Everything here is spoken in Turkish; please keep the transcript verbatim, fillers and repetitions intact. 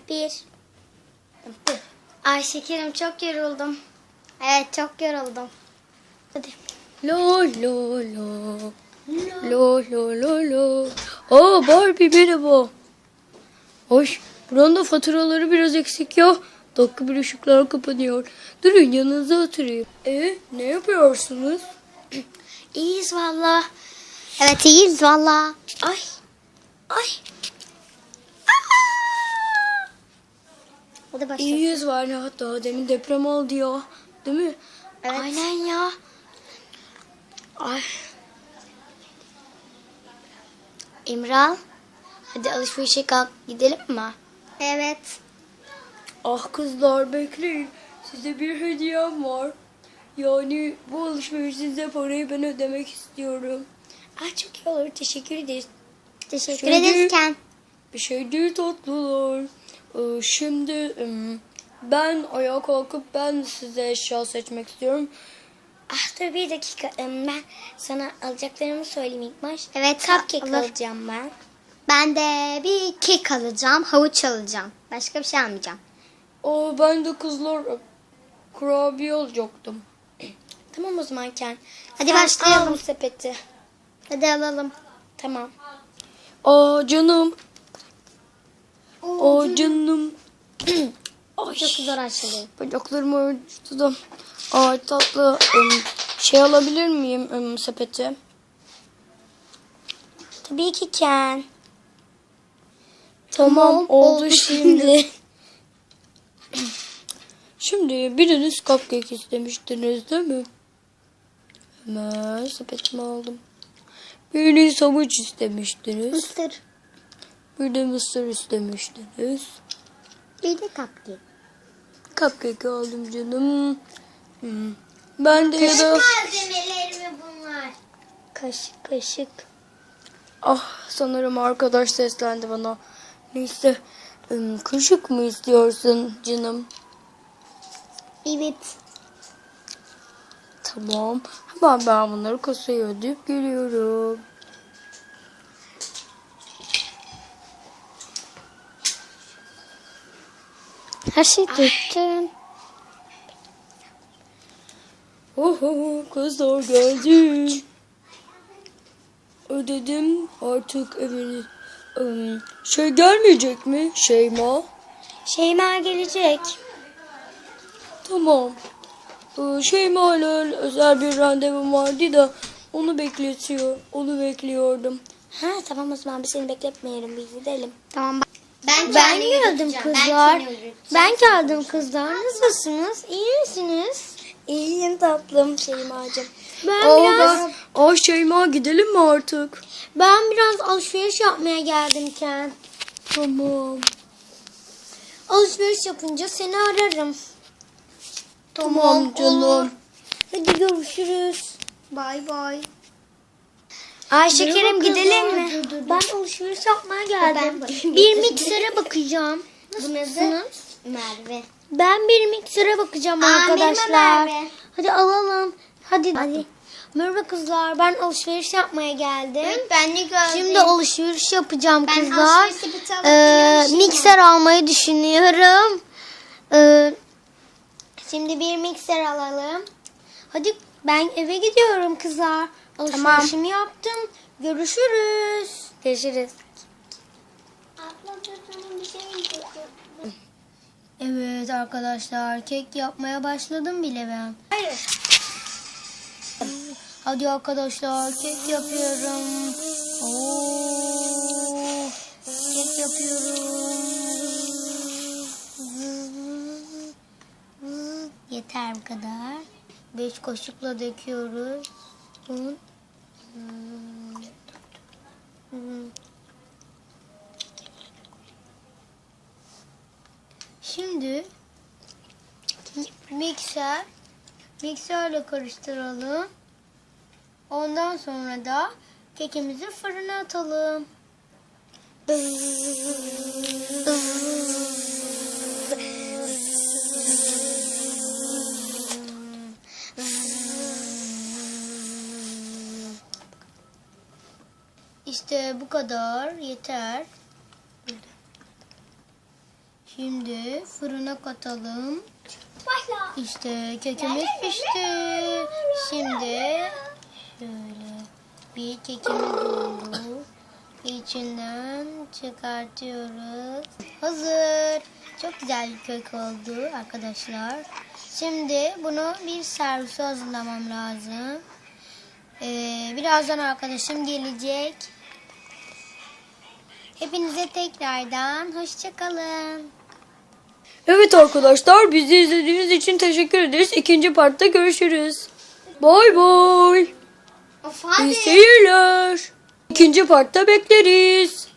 Bir. Ay şekerim çok yoruldum. Evet çok yoruldum. Hadi. Lo lo lo. Lo lo lo lo. Aa Barbie merhaba. Hoş. Buranın da faturaları biraz eksik ya. Dakika bir ışıklar kapanıyor. Durun yanınıza oturayım. E ne yapıyorsunuz? İyiyiz valla. Evet iyiyiz valla. Ay. Ay. Aa! Hadi başla. İyiyiz var ya. Daha demin deprem oldu ya. Değil mi? Evet. Aynen ya. Ay. İmral. Hadi alışverişe kalk gidelim mi? Evet. Ah kızlar bekleyin. Size bir hediyem var. Yani bu alışverişinize parayı ben ödemek istiyorum. Ah çok iyi olur. Teşekkür ederiz. Teşekkür Şey ederiz değil. Ken. Bir şey değil tatlılar. Ee, şimdi ım, ben ayağa kalkıp ben size eşya seçmek istiyorum. Ah dur bir dakika. Em, Ben sana alacaklarımı söyleyeyim ilk baş. Evet. Cupcake alır. alacağım ben. Ben de bir kek alacağım, havuç alacağım. Başka bir şey almayacağım. Aa, ben de kızlar e, kurabiye alacaktım. Tamam o zaman Ken. Hadi Sen başlayalım. al bu sepeti. Hadi alalım. Tamam. Aa canım. Aa canım. Ay. Çok zor açılıyor. Bacaklarımı ördüm. Ay tatlı. Im, şey alabilir miyim ım, sepeti? Tabii ki Ken. Tamam, Tamam, oldu oldu şimdi. Şimdi biriniz cupcake istemiştiniz değil mi? Hemen sepetimi aldım. Biriniz havuç istemiştiniz. Mısır. Bir de mısır istemiştiniz. Bir de cupcake. Cupcake aldım canım. Hmm. Ben de ya da... Malzemeleri mi bunlar? Kaşık kaşık. Ah sanırım arkadaş seslendi bana. Neyse. ım, Kaşık mı istiyorsun canım? Evet. Tamam. Hemen ben bunları kasaya ödeyip geliyorum. Her şey döktün. Oho kızlar geldi. Ödedim artık evini. Im, Şey gelmeyecek mi Şeyma? Şeyma gelecek. Tamam. Ee, Şeyma ile özel bir randevum vardı da onu bekletiyor. Onu bekliyordum. Ha tamam o zaman biz seni bekletmeyelim biz gidelim. Tamam. Ben, Ben geldim kızlar. Ben geldim kızlar. Nasılsınız? İyi misiniz? İyiyim tatlım Şeyma'cığım. Ben Aa, biraz ben- Aa Şeyma gidelim mi artık? ben biraz alışveriş yapmaya geldim Ken. Tamam. Alışveriş yapınca seni ararım. Tamam canım. Hadi görüşürüz. Bay bay. Ay şekerim Merhaba gidelim kızlar. mi? Dur, dur, dur. Ben alışveriş yapmaya geldim. bakayım. Bir miksere bakacağım. Bunun adı Nasılsınız? Merve. Ben bir miksere bakacağım Aa, arkadaşlar. merhaba Merve. Hadi alalım. Hadi. Hadi. Merhaba kızlar. Ben alışveriş yapmaya geldim. Ben de gördüm. Şimdi alışveriş yapacağım Ben kızlar. alışveriş sepeti alıp Ee, geliyorum şimdi. mikser almayı düşünüyorum. Ee, şimdi bir mikser alalım. Hadi ben eve gidiyorum kızlar. Alışverişimi yaptım. Görüşürüz. Görüşürüz. Abla dur, dur, bir şey diyeceğim. Evet arkadaşlar kek yapmaya başladım bile ben. Hayır. Hadi arkadaşlar kek yapıyorum. Oo, kek yapıyorum. Yeter bu kadar. Beş kaşıkla döküyoruz. Un. Şimdi mikser mikserle karıştıralım. Ondan sonra da kekimizi fırına atalım. İşte bu kadar yeter. Şimdi fırına katalım. Başla. İşte kekimiz pişti. Şimdi şöyle bir kekimiz oldu. İçinden çıkartıyoruz. Hazır. Çok güzel bir kek oldu arkadaşlar. Şimdi bunu bir servise hazırlamam lazım. Ee, birazdan arkadaşım gelecek. Hepinize tekrardan hoşça kalın. Evet arkadaşlar, bizi izlediğiniz için teşekkür ederiz. İkinci partta görüşürüz. Bay bay. Of hadi. İyi seyirler. İkinci partta bekleriz.